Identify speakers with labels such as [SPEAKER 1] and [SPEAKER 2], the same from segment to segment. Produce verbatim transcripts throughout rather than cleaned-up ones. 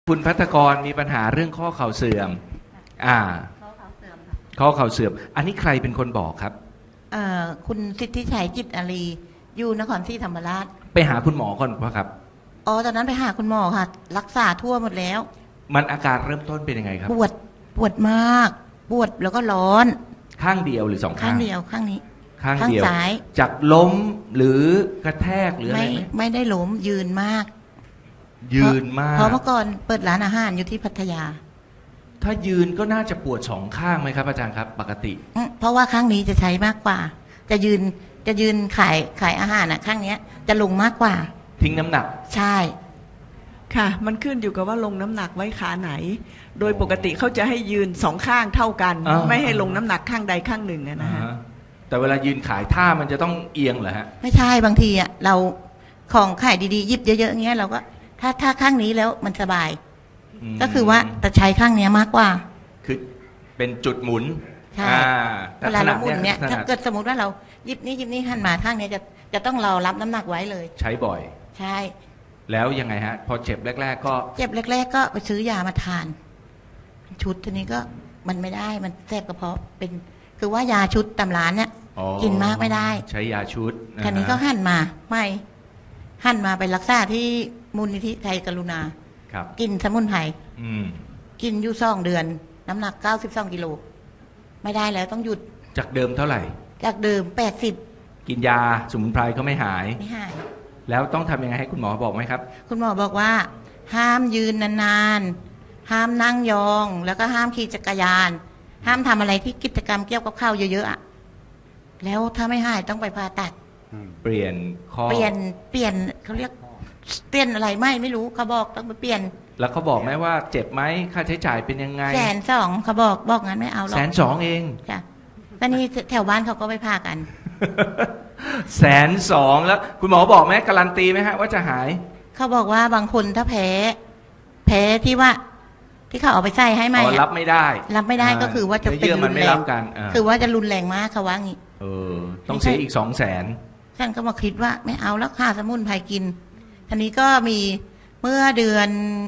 [SPEAKER 1] คุณภัทรกรมีปัญหาเรื่องข้อเข่าเสื่อมอ่าข้อเข่าเสื่อมค่ะข้อเข่าเสื่อมอันนี้ใครเป็นคนบอกครับ
[SPEAKER 2] เอ่อคุณสิทธิชัยจิตอารีอยู่นครศรีธรรมราช
[SPEAKER 1] ไปหาคุณหมอก่อนป่ะครับ
[SPEAKER 2] อ๋อตอนนั้นไปหาคุณหมอค่ะรักษาทั่วหมดแล้ว
[SPEAKER 1] มันอาการเริ่มต้นเป็นยังไงครับ
[SPEAKER 2] ปวดปวดมากปวดแล้วก็ร้อน
[SPEAKER 1] ข้างเดียวหรือสองข้าง
[SPEAKER 2] ข้างเดียวข้างนี้
[SPEAKER 1] ข้างเดียวซ้ายจากล้มหรือกระแทกหรืออะไรไหม
[SPEAKER 2] ไม่ได้ล้มยืนมาก
[SPEAKER 1] ยืนมาก
[SPEAKER 2] เพราะเมื่อก่อนเปิดร้านอาหารอยู่ที่พัทยา
[SPEAKER 1] ถ้ายืนก็น่าจะปวดสองข้างไหมครับอาจารย์ครับปกติ
[SPEAKER 2] เพราะว่าข้างนี้จะใช้มากกว่าจะยืนจะยืนขายขายอาหารอ่ะข้างนี้จะลงมากกว่า
[SPEAKER 1] ทิ้งน้ำหนัก
[SPEAKER 2] ใช่
[SPEAKER 3] ค่ะมันขึ้นอยู่กับว่าลงน้ำหนักไว้ขาไหนโดยปกติเขาจะให้ยืนสองข้างเท่ากันไม่ให้ลงน้ำหนักข้างใดข้างหนึ่งนะฮะ
[SPEAKER 1] แต่เวลายืนขายท่ามันจะต้องเอียงเหรอฮะ
[SPEAKER 2] ไม่ใช่บางทีอ่ะเราของขายดีๆยิบเยอะๆอย่างเงี้ยเราก็ถ้าถ้าข้างนี้แล้วมันสบายก็คือว่าแต่ใช้ข้างนี้มากกว่า
[SPEAKER 1] คือเป็นจุดหมุน
[SPEAKER 2] ใช่เวลาเราหมุนเนี่ยถ้าเกิดสมมติว่าเรายิบนี้ยิบนี้หันมาข้างนี้จะจะต้องเรารับน้ำหนักไว้เลย
[SPEAKER 1] ใช้บ่อย
[SPEAKER 2] ใช่
[SPEAKER 1] แล้วยังไงฮะพอเจ็บแรกๆก็
[SPEAKER 2] เจ็บแรกๆก็ไปซื้อยามาทานชุดทีนี้ก็มันไม่ได้มันแสบกระเพาะเป็นคือว่ายาชุดตำร้านเนี่ยกินมากไม่ได้
[SPEAKER 1] ใช้ยาชุด
[SPEAKER 2] ทีนี้ก็หันมาไม่หันมาไปรักษาที่มูลนิธิไทยกรุณากินสมุนไพรกินอยู่สองเดือนน้ำหนักเก้าสิบสองกิโลไม่ได้แล้วต้องหยุด
[SPEAKER 1] จากเดิมเท่าไหร่
[SPEAKER 2] จากเดิมแปดสิบ
[SPEAKER 1] กินยาสมุนไพรก็ไม่หาย
[SPEAKER 2] ไม่หาย
[SPEAKER 1] แล้วต้องทำยังไงให้คุณหมอบอกไหมครับ
[SPEAKER 2] คุณหมอบอกว่าห้ามยืนนานๆห้ามนั่งยองแล้วก็ห้ามขี่จักรยานห้ามทำอะไรที่กิจกรรมเกี่ยวกับข้าวเยอะๆอ่ะแล้วถ้าไม่หายต้องไปผ่าตัด
[SPEAKER 1] เปลี่ยนข้อ
[SPEAKER 2] เปลี่ยนเปลี่ยนเขาเรียกเปลี่ยนอะไรไม่ไม่รู้เขาบอกต้องไปเปลี่ยน
[SPEAKER 1] แล้วเขาบอกไหมว่าเจ็บไหมค่าใช้จ่ายเป็นยังไง
[SPEAKER 2] แสนสองเขาบอกบอกงั้นไม่เอาหรอก
[SPEAKER 1] แสนสองเอง
[SPEAKER 2] จ้ะก็นี่แถวบ้านเขาก็ไปพากัน
[SPEAKER 1] แสนสองแล้วคุณหมอบอกไหมการันตีไหมฮะว่าจะหาย
[SPEAKER 2] เขาบอกว่าบางคนถ้าแพ้แพ้ที่ว่าที่เขาเอาไปใส่ให้ไหม
[SPEAKER 1] รับไม่ได้
[SPEAKER 2] รับไม่ได้ก็คือว่าจะเป็นรุนแรงคือว่าจะรุนแรงมากเขาว่างี้
[SPEAKER 1] เออต้องเสียอีกสองแสน
[SPEAKER 2] ท่านก็มาคิดว่าไม่เอาแล้วค่าสมุนไพรกินทีนี้ก็มีเมื่อเดือน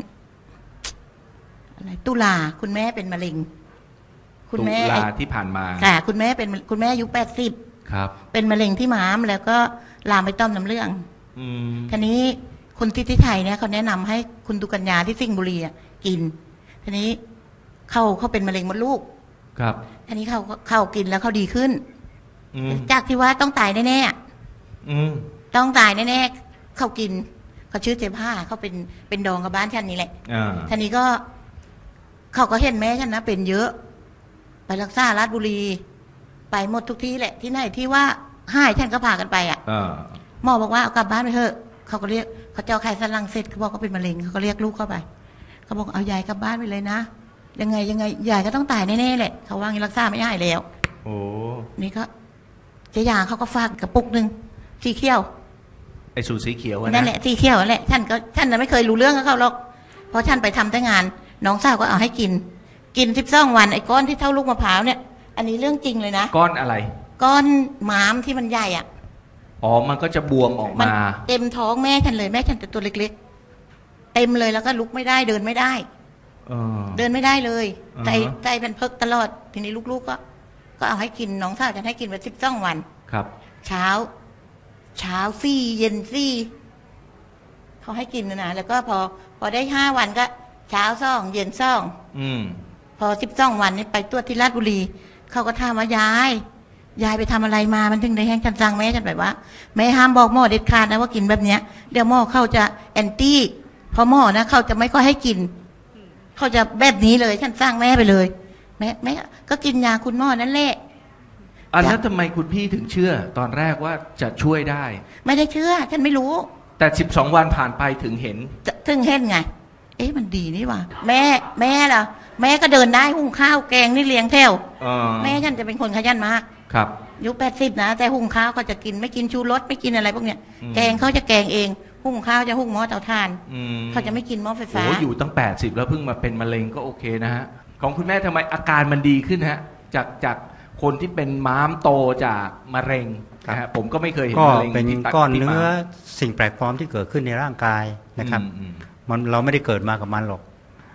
[SPEAKER 2] อะไรตุลาคุณแม่เป็นมะเร็ง
[SPEAKER 1] คุณแม่ตุลาที่ผ่านมา
[SPEAKER 2] ค่ะคุณแม่เป็นคุณแม่อายุแปดสิบ
[SPEAKER 1] ครับ
[SPEAKER 2] เป็นมะเร็งที่ม้ามแล้วก็ลามไปต้อมน้ำเหลืองทีนี้คุณทิติไทยเนี่ยเขาแนะนำให้คุณตุกัญญาที่สิงห์บุรีกินทีนี้เขาเขาเป็นมะเร็งมดลูก
[SPEAKER 1] ครับ
[SPEAKER 2] ทีนี้เขาเขากินแล้วเขาดีขึ้นจากที่ว่าต้องตายแน่ๆต้องตายแน่ๆเขากินเขาชื่อเจ๊ผ้าเขาเป็นเป็นดองกับบ้านฉันนี่แหละทีนี้ก็เขาก็เห็นแม่ฉันนะเป็นเยอะไปรักษาราชบุรีไปหมดทุกที่แหละที่ไหนที่ว่าหายฉันก็พากันไปอ่ะหมอบอกว่าเอากลับบ้านไปเถอะเขาก็เรียกเขาเจ้าไข่สันหลังเสร็จเขาบอกเขาเป็นมะเร็งเขาก็เรียกลูกเข้าไปเขาบอกเอายายกลับบ้านไปเลยนะยังไงยังไงยายก็ต้องตายแน่ๆแหละเขาว่างี้รักษาไม่ได้แล้ว
[SPEAKER 1] โอ้
[SPEAKER 2] นี่ก็เจ๊ยาเขาก็ฝากกระปุกหนึ่งสีเขียว
[SPEAKER 1] ไอ้สูตรสีเขียว
[SPEAKER 2] นั่นแหละสีเขียวนั่นแหละท่านก็ท่านไม่เคยรู้เรื่องกับเขาหรอกเพราะท่านไปทำแต่งานน้องสาวก็เอาให้กินกินสิบสองวันไอ้ก้อนที่เท่าลูกมะพร้าวเนี่ยอันนี้เรื่องจริงเลยนะ
[SPEAKER 1] ก้อนอะไร
[SPEAKER 2] ก้อนม้ามที่มันใหญ่อ่ะ
[SPEAKER 1] อ๋อมันก็จะบวมออกมา
[SPEAKER 2] เต็มท้องแม่ฉันเลยแม่ฉันแต่ตัวเล็กๆเต็มเลยแล้วก็ลุกไม่ได้เดินไม่ได้เดินไม่ได้เลยใจใจเป็นเพิกตลอดทีนี้ลูกๆก็ก็เอาให้กินน้องสาวฉันให้กินไปสิบสองวัน
[SPEAKER 1] ครับ
[SPEAKER 2] เช้าเช้าซี่เย็นซี่เขาให้กินนะนะแล้วก็พอพอได้ห้าวันก็เช้าซ่องเย็นซ่องพอสิบสองวันนี้ไปตรวจที่ราชบุรีเขาก็ถามว่ายายยายไปทำอะไรมามันถึงได้แห้งจังจังแม่ฉันแบบว่าแม่ห้ามบอกหมอเด็ดขาดนะว่ากินแบบเนี้ยเดี๋ยวหมอเขาจะแอนตี้พอหมอนะเขาจะไม่ค่อยให้กินเขาจะแบบนี้เลยฉันสร้างแม่ไปเลยแม่แม่ก็กินยาคุณหมอนั่นแหละ
[SPEAKER 1] อันนั้นทำไมคุณพี่ถึงเชื่อตอนแรกว่าจะช่วยได้
[SPEAKER 2] ไม่ได้เชื่อฉันไม่รู้
[SPEAKER 1] แต่สิบสองวันผ่านไปถึงเห็น
[SPEAKER 2] ถึงเห็นไงเอ๊ะมันดีนี่ว่ะแม่แม่ล่ะแม่ก็เดินได้หุงข้าวแกงนี่เลี้ยงแถวแม่ฉันจะเป็นคนขยันมาก
[SPEAKER 1] ครับ
[SPEAKER 2] อายุแปดสิบนะแต่หุงข้าวก็จะกินไม่กินชูรสไม่กินอะไรพวกเนี้ยแกงเขาจะแกงเองหุงข้าวจะหุงหม้อเตาถ่านเขาจะไม่กินหม้อไฟฟ้า
[SPEAKER 1] โอ้อยู่ตั้งแปดสิบแล้วเพิ่งมาเป็นมะเร็งก็โอเคนะฮะของคุณแม่ทำไมอาการมันดีขึ้นฮะจากจากคนที่เป็นม้ามโตจากมะเร็งนะฮะผมก็ไม่เคยเห็นมะเร็ง
[SPEAKER 4] ก็เป็นก้อนเนื้อสิ่งแปลกปลอมที่เกิดขึ้นในร่างกายนะครับมันเราไม่ได้เกิดมากับมันหรอก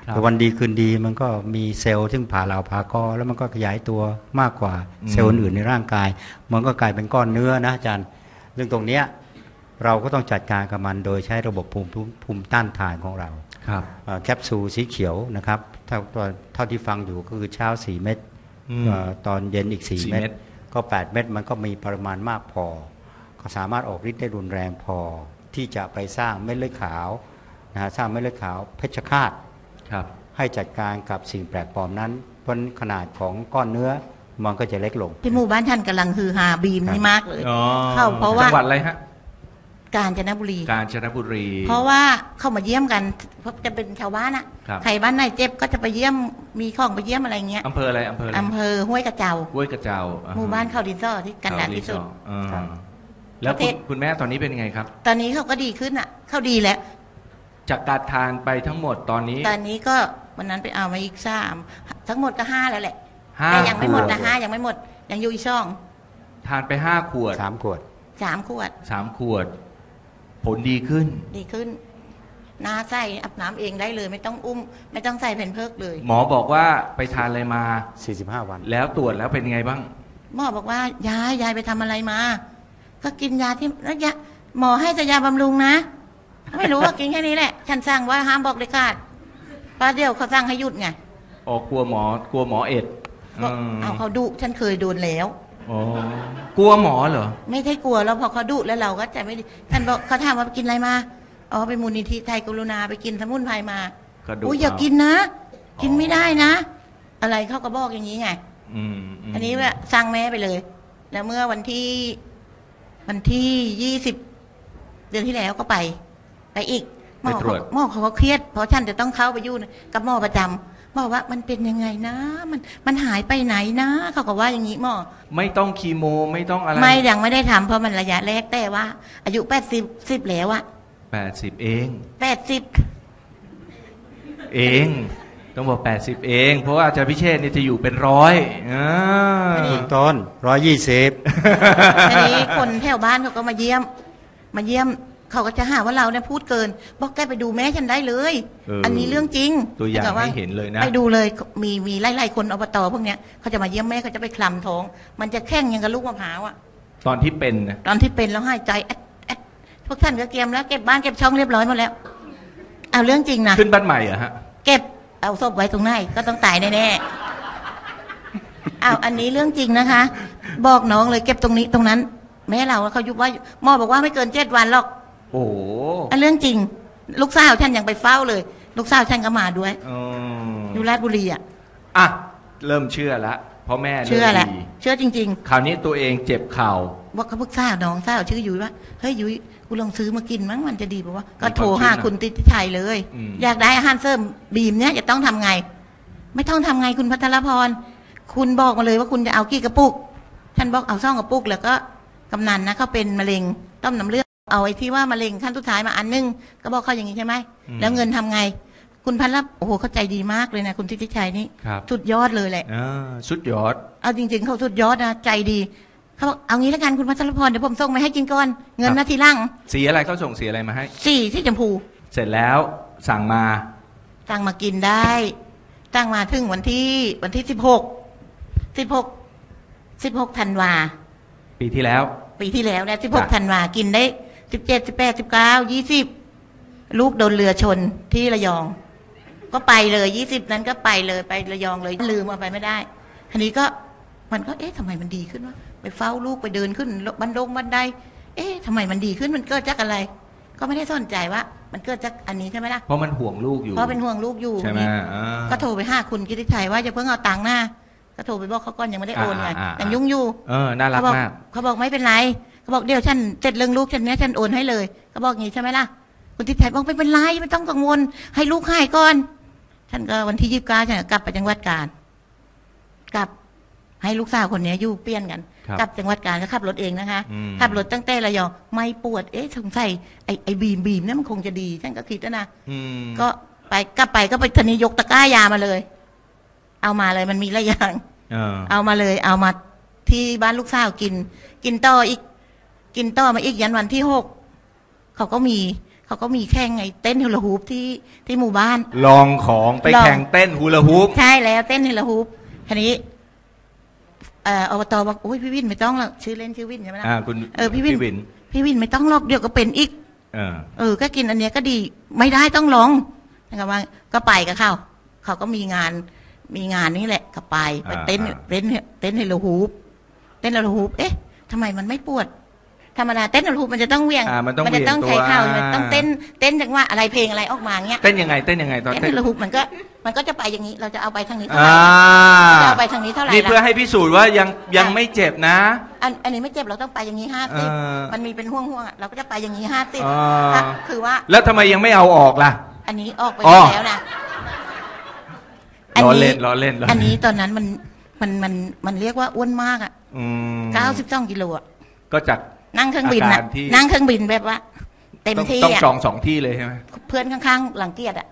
[SPEAKER 4] แต่วันดีคืนดีมันก็มีเซลล์ซึ่งผ่าเหลาผ่ากอแล้วมันก็ขยายตัวมากกว่าเซลล์อื่นในร่างกายมันก็กลายเป็นก้อนเนื้อนะอาจารย์เรื่องตรงเนี้ยเราก็ต้องจัดการกับมันโดยใช้ระบบภูมิภูมิต้านทานของเรา
[SPEAKER 1] ครับ
[SPEAKER 4] แคปซูลสีเขียวนะครับเท่าเท่าที่ฟังอยู่ก็คือเช้าสี่เม็ดตอนเย็นอีกสี่เม็ดก็แปดเม็ดมันก็มีปริมาณมากพอก็สามารถออกฤทธิ์ได้รุนแรงพอที่จะไปสร้างเม็ดเลือดขาวนะฮะสร้างเม็ดเลือดขาวเพชฌฆาตให้จัดการกับสิ่งแปลกปลอมนั้นเพราะขนาดของก้อนเนื้อมันก็จะเล็กลง
[SPEAKER 2] ที่หมู่บ้านท่านกำลังฮือฮาบีมนี่มากเลยเข้าเพราะว่า
[SPEAKER 1] จังหวัดอะไรฮะ
[SPEAKER 2] กาญจนบุรี
[SPEAKER 1] กาญจนบุรี
[SPEAKER 2] เพราะว่าเข้ามาเยี่ยมกันเพราะจะเป็นชาวบ้านอะใครบ้านไหนเจ็บก็จะไปเยี่ยมมีของไปเยี่ยมอะไรเงี้ย
[SPEAKER 1] อำเภออะไรอำเภอ
[SPEAKER 2] อำเภอห้วยกระเจ้า
[SPEAKER 1] ห้วยกระเจ้า
[SPEAKER 2] หมู่บ้านเขาดินซ่อที่กันดารที่สุด
[SPEAKER 1] แล้วคุณแม่ตอนนี้เป็นยังไงครับ
[SPEAKER 2] ตอนนี้เขาก็ดีขึ้นอ่ะเขาดีแล้ว
[SPEAKER 1] จากการทานไปทั้งหมดตอนนี้
[SPEAKER 2] ตอนนี้ก็วันนั้นไปเอามาอีกสามทั้งหมดก็ห้าแล้วแหละแต่ยังไม่หมดนะห้ายังไม่หมดยังอยู่อีกช่อง
[SPEAKER 1] ทานไปห้าขวด
[SPEAKER 4] สามขวด
[SPEAKER 2] สามขวด
[SPEAKER 1] สามขวดผลดีขึ้น
[SPEAKER 2] ดีขึ้นน้าใส่อาบน้ำเองได้เลยไม่ต้องอุ้มไม่ต้องใส่แผ่นเพิกเลย
[SPEAKER 1] หมอบอกว่าไปทานอะไรมา
[SPEAKER 4] สี่สิบห้าวัน
[SPEAKER 1] แล้วตรวจแล้วเป็นยังไงบ้าง
[SPEAKER 2] หมอบอกว่ายายยายไปทำอะไรมาก็กินยาที่แล้วยาหมอให้แต่ยาบำรุงนะไม่รู้ว่ากินแค่นี้แหละฉันสั่งว่าห้ามบอกเลยขาดป้าเดียวเขาสั่งให้หยุดไง
[SPEAKER 1] อ๋อกลัวหมอกลัวหมอเอ็ด
[SPEAKER 2] เอาเขาดุฉันเคยโดนแล้ว
[SPEAKER 1] อ๋อกลัวหมอเหรอ
[SPEAKER 2] ไม่ใช่กลัวแล้วพอเขาดุแล้วเราก็จะไม่ท่านบอกเขาถามว่าไปกินอะไรมาอ๋อไปมูลนิธิไทยกรุณาไปกินสมุนไพรมาอุ้ยอย่ากินนะกินไม่ได้นะอะไรเขาก็บอกอย่างนี้ไงอันนี้ว่าสั่งแม่ไปเลยแล้วเมื่อวันที่วันที่ยี่สิบเดือนที่แล้วก็ไปไปอีกหมอหมอเขาก็เครียดเพราะฉันจะต้องเข้าไปยุ่งกับหมอประจำบอกว่ามันเป็นยังไงนะมันมันหายไปไหนนะเขาก็ว่าอย่างนี้หมอ
[SPEAKER 1] ไม่ต้องคีโมไม่ต้องอะไร
[SPEAKER 2] ไม่ยังไม่ได้ทำเพราะมันระยะแรกแต่ว่าอายุแปดสิบสิบแล้วอะ
[SPEAKER 1] แปดสิบเอง
[SPEAKER 2] แปดสิบ
[SPEAKER 1] เองต้องบอกแปดสิบเองเพราะว่าอาจารย์พิเชษนี่จะอยู่เป็นร้อยอ่า
[SPEAKER 4] ต้นร้อยยี่สิบ
[SPEAKER 2] ทีนี้คนแถวบ้านเขาก็มาเยี่ยมมาเยี่ยมเขาก็จะหาว่าเราเนี่ยพูดเกินบอกแกไปดูแม่ฉันได้เลยอันนี้เรื่องจริง
[SPEAKER 1] ตัวอย่างให้เห็นเลยนะ
[SPEAKER 2] ไปดูเลยมีมีไล่ๆคนอบตพวกเนี้ยเขาจะมาเยี่ยมแม่เขาจะไปคลำท้องมันจะแข้งยังกับลูกมะพร้าวอ่ะ
[SPEAKER 1] ตอนที่เป็นนะ
[SPEAKER 2] ตอนที่เป็นแล้วหายใจแอดแอดพวกท่านก็เตรียมแล้วเก็บบ้านเก็บช่องเรียบร้อยหมดแล้วเอาเรื่องจริงนะ
[SPEAKER 1] ขึ้นบ้านใหม่เหรอฮะ
[SPEAKER 2] เก็บเอาศพไว้ตรงไหนก็ต้องตายแน่ๆเอาอันนี้เรื่องจริงนะคะบอกน้องเลยเก็บตรงนี้ตรงนั้นแม่เราเขายุบว่าหมอบอกว่าไม่เกินเจ็ดวันหรอก
[SPEAKER 1] โอ้
[SPEAKER 2] อันเรื่องจริงลูกสาวฉันยังไปเฝ้าเลยลูกสาวฉันก็มาด้วยอยู่ราชบุรีอ่ะ
[SPEAKER 1] อ่ะเริ่มเชื่อแล้วเพราะแม่
[SPEAKER 2] เชื่อแหละเชื่อจริง
[SPEAKER 1] ๆคราวนี้ตัวเองเจ็บเข่า
[SPEAKER 2] ว่าเขาพึกษาน้องสาวชื่อยุ้ยว่าเฮ้ยยุ้ยกูลองซื้อมากินมั้งมันจะดีป่ะวะก็โทรหาคุณติติชัยเลยอยากได้อาหารเสริมบีมเนี้ยจะต้องทำไงไม่ต้องทำไงคุณพัทรพรคุณบอกมาเลยว่าคุณจะเอากี่กระปุกฉันบอกเอาซ่องกระปุกแล้วก็กำนันนะเขาเป็นมะเร็งต้มน้ำเลือดเอาไอ้ที่ว่ามะเร็งขั้นสุดท้ายมาอันนึงก็บอกเขาอย่างนี้ใช่ไหมแล้วเงินทำไงคุณพันรับโอ้โหเขาใจดีมากเลยนะคุณทิติชัยนี่สุดยอดเลยแหละ
[SPEAKER 1] สุดยอด
[SPEAKER 2] เอาจริงๆเขาสุดยอดนะใจดีเขาบอกเอางี้แล้วกันคุณพัชรพรเดี๋ยวผมส่งมาให้กินก่อนเงินนาทีล่าง
[SPEAKER 1] สีอะไรเขาส่งสีอะไรมาให้
[SPEAKER 2] สีที่ชมพู
[SPEAKER 1] เสร็จแล้วสั่งมา
[SPEAKER 2] สั่งมากินได้สั่งมาถึงวันที่วันที่สิบหกสิบหกสิบหกธันวา
[SPEAKER 1] ปีที่แล้ว
[SPEAKER 2] ปีที่แล้วเนี่ยสิบหกธันวากินได้สิบเจ็ดสิบแปดสิบเก้ายี่สิบลูกโดนเรือชนที่ระยองก็ไปเลยยี่สิบนั้นก็ไปเลยไประยองเลยลืมเอาไปไม่ได้ทีนี้ก็มันก็เอ๊ะทำไมมันดีขึ้นวะไปเฝ้าลูกไปเดินขึ้นบันดงบันไดเอ๊ะทำไมมันดีขึ้นมันเกิดจากอะไรก็ไม่ได้สนใจว่ามันเกิดจากอันนี้ใช่ไหมล่ะ
[SPEAKER 1] เพราะมันห่วงลูกอยู่
[SPEAKER 2] เพราะเป็นห่วงลูกอยู่
[SPEAKER 1] ใช่ไหม
[SPEAKER 2] ก็โทรไปหาคุณกิติชัยว่าจะเพิ่งเอาตังค์หน้าก็โทรไปบอกเขาก่อนยังไม่ได้โอนไงยังยุ่งอยู่
[SPEAKER 1] เออน่ารักมาก
[SPEAKER 2] เขาบอกไม่เป็นไรเขาบอกเดี๋ยวฉันเสร็จเรื่องลูกฉันเนี้ยฉันโอนให้เลยเขาบอกงี้ใช่ไหมล่ะคุณทิติชัยบอกไม่เป็นไรไม่ต้องกังวลให้ลูกหายก่อนฉันก็วันที่ยี่สิบเก้าฉันกลับไปจังหวัดกาญกลับให้ลูกสาวคนนี้อยู่เปลี่ยนกันกลับจังหวัดกาญก็ขับรถเองนะคะขับรถตั้งแต่ระยองไม่ปวดเอ๊ะสงสัยไอ้ไอ้บีมบีมเนี่ยมันคงจะดีฉันก็คิดนะก็ไปกลับไปก็ไปทนียกตะกร้ายามาเลยเอามาเลยมันมีหลายอย่างเอามาเลยเอามาที่บ้านลูกสาวกินกินต่ออีกกินต่อมาอีกยันวันที่หกเขาก็มีเขาก็มีแข่งไงเต้นฮูลาฮูปที่ที่หมู่บ้าน
[SPEAKER 1] ลองของไปแข่งเต้นฮูลาฮูป
[SPEAKER 2] ใช่แล้วเต้นฮูลาฮูปทีนี้เอ่ออบตบอกโอ้ยพี่วินไม่ต้องหรอกชื่อเล่นชื่อวินใช่ไหมล่ะ
[SPEAKER 1] อ่าคุณ
[SPEAKER 2] เออพี่วินพี่วินไม่ต้องหรอกเดี๋ยวก็เป็นอีกเออเออก็กินอันเนี้ยก็ดีไม่ได้ต้องลองนะครับว่าก็ไปกับเขาเขาก็มีงานมีงานนี่แหละก็ไปไปเต้นเต้นเต้นฮูลาฮูปเต้นฮูลาฮูปเอ๊ะทำไมมันไม่ปวดธรรมดาเต้นฮูลาฮูปมันจะต้องเวียง
[SPEAKER 1] มัน
[SPEAKER 2] จะต้องใช้เข่ามันต้องเต้นเต้นจังว่าอะไรเพลงอะไรออกมาเงี้ย
[SPEAKER 1] เต้นยังไงเต้นยังไงตอน
[SPEAKER 2] เต้นฮูลาฮูปมันก็มันก็จะไปอย่างนี้เราจะเอาไปทางนี้เท่าไห
[SPEAKER 1] ร่
[SPEAKER 2] จะเอาไปทางนี้เท่าไหร่
[SPEAKER 1] นี่เพื่อให้พิสูจน์ว่ายังยังไม่เจ็บนะ
[SPEAKER 2] อันอันนี้ไม่เจ็บเราต้องไปอย่างนี้ห้าสิบมันมีเป็นห่วงห่วงเราก็จะไปอย่างนี้ห้าสิบคือว่า
[SPEAKER 1] แล้วทำไมยังไม่เอาออกล่ะ
[SPEAKER 2] อันนี้ออกไปแล้วนะ
[SPEAKER 1] ล้อเล่นล้อเล่น
[SPEAKER 2] อันนี้ตอนนั้นมันมันมันมันเรียกว่าอ้วนมากอ่ะเก้าสิบสองกิโลอ่ะ
[SPEAKER 1] ก็จาก
[SPEAKER 2] นั่งเครื่องบินนะนั่งเครื่องบินแบบว่าเต็มที่
[SPEAKER 1] ต้องจองสองที่เลยใช่ไหม
[SPEAKER 2] เพื่อนข้างๆหลังเกียรติอ่ะ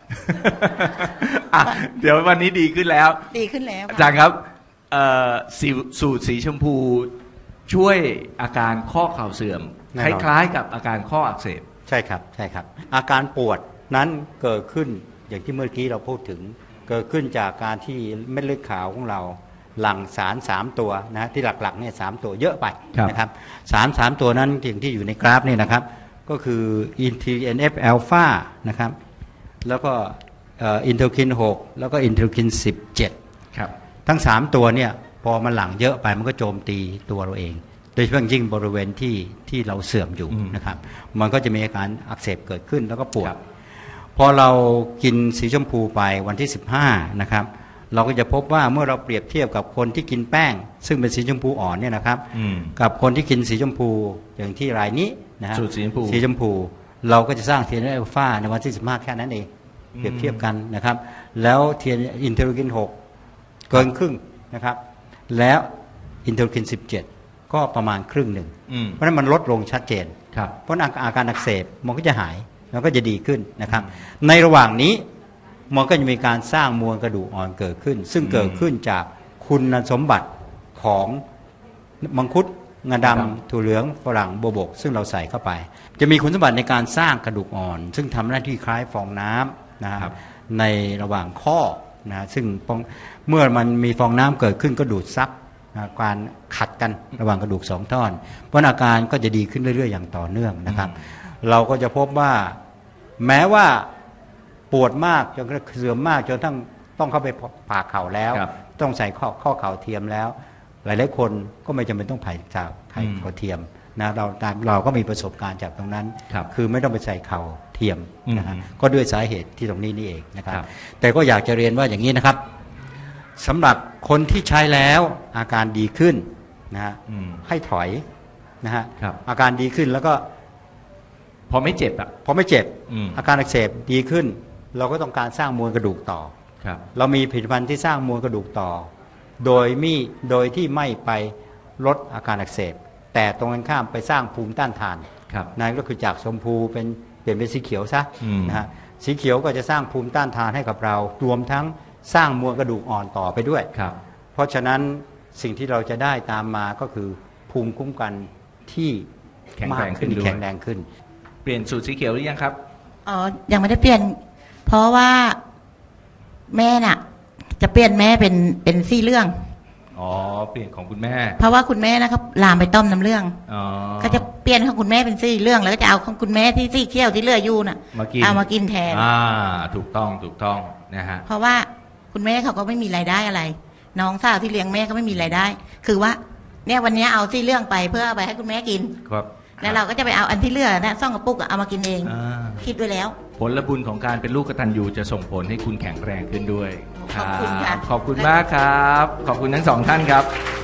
[SPEAKER 1] เดี๋ยววันนี้ดีขึ้นแล้ว
[SPEAKER 2] ดีขึ้นแล้ว
[SPEAKER 1] อาจารย์ครับสูตรสีชมพูช่วยอาการข้อเข่าเสื่อมคล้ายๆกับอาการข้ออักเสบ
[SPEAKER 4] ใช่ครับใช่ครับอาการปวดนั้นเกิดขึ้นอย่างที่เมื่อกี้เราพูดถึงเกิดขึ้นจากการที่เม็ดเลือดขาวของเราหลั่งสารสามตัวนะที่หลักๆเนี่ยสามตัวเยอะไปนะครับสารสามตัวนั้นอย่างที่อยู่ในกราฟนี่นะครับก็คืออินที เอ็น เอฟ อัลฟานะครับแล้วก็อินเทอร์คินหกแล้วก็อินเทอร์คินสิบเจ็ด
[SPEAKER 1] ครับ
[SPEAKER 4] ทั้งสามตัวเนี่ยพอมันหลั่งเยอะไปมันก็โจมตีตัวเราเองโดยเฉพาะยิ่งบริเวณที่ที่เราเสื่อมอยู่นะครับมันก็จะมีอาการอักเสบเกิดขึ้นแล้วก็ปวดพอเรากินสีชมพูไปวันที่สิบห้านะครับเราก็จะพบว่าเมื่อเราเปรียบเทียบกับคนที่กินแป้งซึ่งเป็นสีชมพูอ่อนเนี่ยนะครับกับคนที่กินสีชมพูอย่างที่รายนี้นะฮะ
[SPEAKER 1] สีชมพู
[SPEAKER 4] สีชมพูเราก็จะสร้างเทียนอัลฟาในวันที่สิบห้าแค่นั้นเองเปรียบเทียบกันนะครับแล้วเทียนอินเทอร์คินหกเกินครึ่งนะครับแล้วอินเทอร์คินสิบเจ็ดก็ประมาณครึ่งหนึ่งเพราะนั้นมันลดลงชัดเจนเพราะอาการอักเสบมันก็จะหายมันก็จะดีขึ้นนะครับในระหว่างนี้มันก็จะมีการสร้างมวลกระดูกอ่อนเกิดขึ้นซึ่งเกิดขึ้นจากคุณสมบัติของมังคุดงาดำถั่วเหลืองฝรั่งโบวบกซึ่งเราใส่เข้าไปจะมีคุณสมบัติในการสร้างกระดูกอ่อนซึ่งทำหน้าที่คล้ายฟองน้ำนะครับในระหว่างข้อนะซึ่งเมื่อมันมีฟองน้ำเกิดขึ้นก็ดูดซับการขัดกันระหว่างกระดูกสองท่อนเพราะอาการก็จะดีขึ้นเรื่อยๆอย่างต่อเนื่องนะครับเราก็จะพบว่าแม้ว่าปวดมากจนเสื่อมมากจนทั้งต้องเข้าไปผ่าเข่าแล้วต้องใส่ข้อข้อเข่าเทียมแล้วหลายๆคนก็ไม่จำเป็นต้องผ่าจากไข่เข่าเทียมนะเราเราก็มีประสบการณ์จากตรงนั้น
[SPEAKER 1] ค,
[SPEAKER 4] คือไม่ต้องไปใส่เข่าเทียมนะฮะก็ด้วยสาเหตุที่ตรงนี้นี่เองนะครับแต่ก็อยากจะเรียนว่าอย่างนี้นะครับสำหรับคนที่ใช้แล้วอาการดีขึ้นนะฮะให้ถอยนะฮะอาการดีขึ้นแล้วก็
[SPEAKER 1] พอไม่เจ็บอ่ะ
[SPEAKER 4] พอไม่เจ็บอาการอักเสบดีขึ้นเราก็ต้องการสร้างมวลกระดูกต่อเรามีผลิตภัณฑ์ที่สร้างมวลกระดูกต่อโดยมีโดยที่ไม่ไปลดอาการอักเสบแต่ตรงกันข้ามไปสร้างภูมิต้านทานนั่นก็คือจากชมพูเป็นเปลี่ยนเป็นสีเขียวซะนะฮะสีเขียวก็จะสร้างภูมิต้านทานให้กับเรารวมทั้งสร้างมวลกระดูกอ่อนต่อไปด้วยเพราะฉะนั้นสิ่งที่เราจะได้ตามมาก็คือภูมิคุ้มกันที่มากขึ้นแข็งแรงขึ้น
[SPEAKER 1] เปลี่ยนสูตรสีเขียวหรือยังครับ
[SPEAKER 2] อ๋อยังไม่ได้เปลี่ยนเพราะว่าแม่น่ะจะเปลี่ยนแม่เป็นเป็นซี่เรื่อง
[SPEAKER 1] อ๋อเปลี่ยนของคุณแม่
[SPEAKER 2] เพราะว่าคุณแม่นะครับลามไปต้มน้ำเรื่องอ๋อก็จะเปลี่ยนของคุณแม่เป็นซี่เรื่องแล้วก็จะเอาของคุณแม่ที่ซี่เขี้ยวที่เหลืออยู่น่ะเอามากินแทน
[SPEAKER 1] อ่าถูกต้องถูกต้องนะฮะ
[SPEAKER 2] เพราะว่าคุณแม่เขาก็ไม่มีรายได้อะไรน้องสาวที่เลี้ยงแม่ก็ไม่มีรายได้คือว่าเนี่ยวันนี้เอาซี่เรื่องไปเพื่อเอาไปให้คุณแม่กิน
[SPEAKER 1] ครับ
[SPEAKER 2] แล้วเราก็จะไปเอาอันที่เหลือนะซ่องกระปุกเอามากินเองคิดไว้แล้ว
[SPEAKER 1] ผลบุญของการเป็นลูกกตัญญูจะส่งผลให้คุณแข็งแรงขึ้นด้วย
[SPEAKER 2] ขอบคุณค่ะ
[SPEAKER 1] ขอบคุณมากครับขอบคุณทั้งสองท่านครับ